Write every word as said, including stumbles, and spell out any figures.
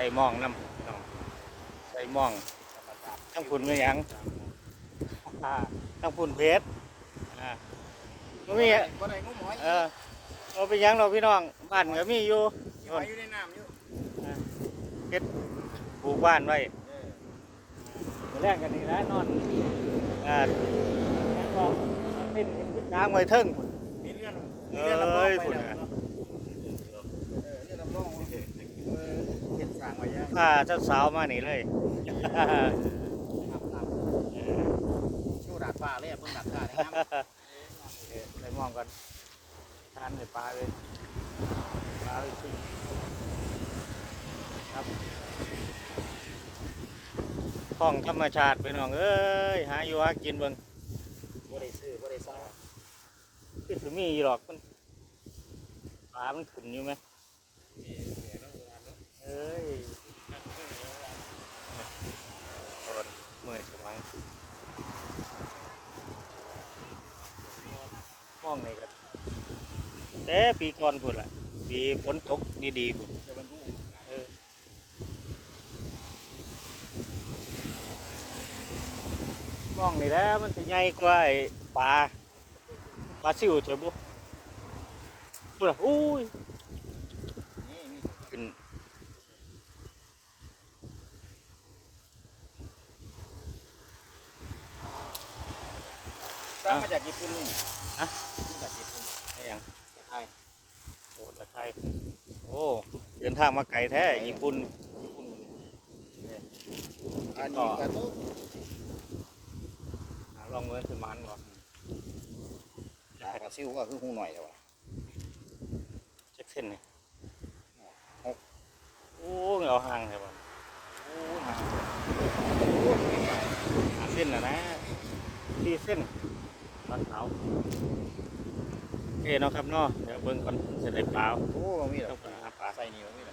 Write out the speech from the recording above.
ส่หมองน้ำน้องใส่หมองทั้งพุ่นไม่ยังอ่าทั้งพุ่นเพชรอ่าบ่มีบ่ได้งมหอยเออเราไปยังเราพี่น้องบ้านก็มีอยู่หอยอยู่ในน้ำอยู่เพชรปลูกบ้านไว้เออมาแรกกันนี่นะนอนอ่าแล้วก็เป็นช้างไว้เทิงมีเรื่องมีเอเรื่องรับรอง้ยไปพุ่นแล้วน่ะเนาะเออเรื่องรับรองเออเฮ็ดสร้างไว้ยังพาเจ้าสาวมานี่เลยน้ำน้ำชูดาดฟ้าเลยเบิ่งดาดฟ้าได้งามไปมองกันทานให้ปลาเลยปลาเลยสิครับของธรรมชาติไปน้องเอ้ยหาอยู่หากินเบิ่งบ่ได้ซื้อบ่ได้ซ่าคือสิมีอยู่หรอกมันปลามันขึ้นอยู่ไหมเอ้ยโอดเมื่อยสมังมองนี่กันแต่ปีก่อนพุ่นล่ะปีฝนตกดีๆพุ่นจะบรรทุกเออมองนี่แหล้วมันจะใหญ่กว่าไอ้ปลาปลาซิวเจ้าบุพุ่นล่ะอุ้ยนี่มีขึ้นสร้างมาจากญี่ปุ่นนี่ฮะมาจากญี่ปุ่นไอ้หยังไทยโอ้ตะไคร้โอ้เดินทางมาไกลแท้ญี่ปุ่นญี่ปุ่นอันนี้กระตุกหาลองเงินสมันบ่จากกระซิวก็คือหูหน่อยแล้วว่ะเช็คเส้นนี่หกโอ้เงาห่างใช่ป่ะโอ้ยหาหาเส้นนะนะที่เส้นปลาขาวโอเคเนาะครับเนาะเดี๋ยวเบิ่งก่อนจะได้เปล่าโอ้มีหรต้อองไปหาปลาใส่นี่บ่มีหรอ